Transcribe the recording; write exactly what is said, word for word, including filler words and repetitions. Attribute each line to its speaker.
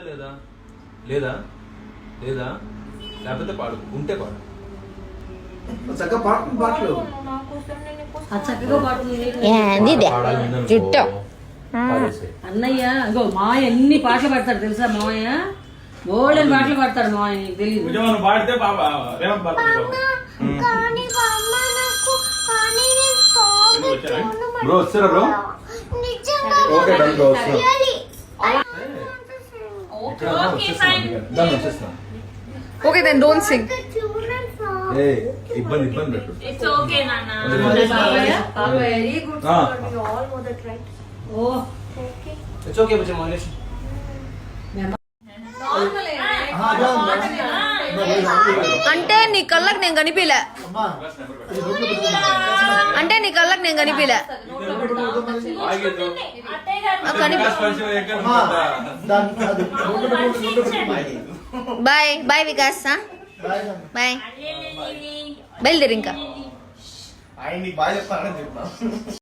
Speaker 1: లేదా లేదా లేదా లేకపోతే పాడు ఉంటే పాడు
Speaker 2: చక్కగా పాడు పాటలు
Speaker 3: చక్కగా పాడుతుంది
Speaker 4: జుట్టు
Speaker 3: అన్నయ్య ఇగో మావయ్య ఎన్ని పాటలు పాడతాడు తెలుసా మావయ్య గోల్డెన్ పాటలు పాడతాడు మావయ్య నీకు తెలియదు
Speaker 1: పాడితే బాబా రేవంత్ బ్రో వస్తారా బ్రో ఓకే డన్ బ్రో వస్తాను
Speaker 4: ఓకే దెన్ డోంట్ సింగ్
Speaker 1: ఏ ఇబ్బంది ఇబ్బంది పెట్టు
Speaker 5: ఇట్స్ ఓకే నాన్న
Speaker 3: very good oh
Speaker 2: it's okay బచ్చా మాలేష్
Speaker 4: అంటే నీ కళ్ళకి నేను కనిపిలే అంటే నీ కళ్ళకి నేను కనిపిలే బాయ్ బాయ్ వికాస్ బాయ్ బయలుదేరి ఇంకా
Speaker 2: ఆయన బాగా చెప్తానని చెప్తాను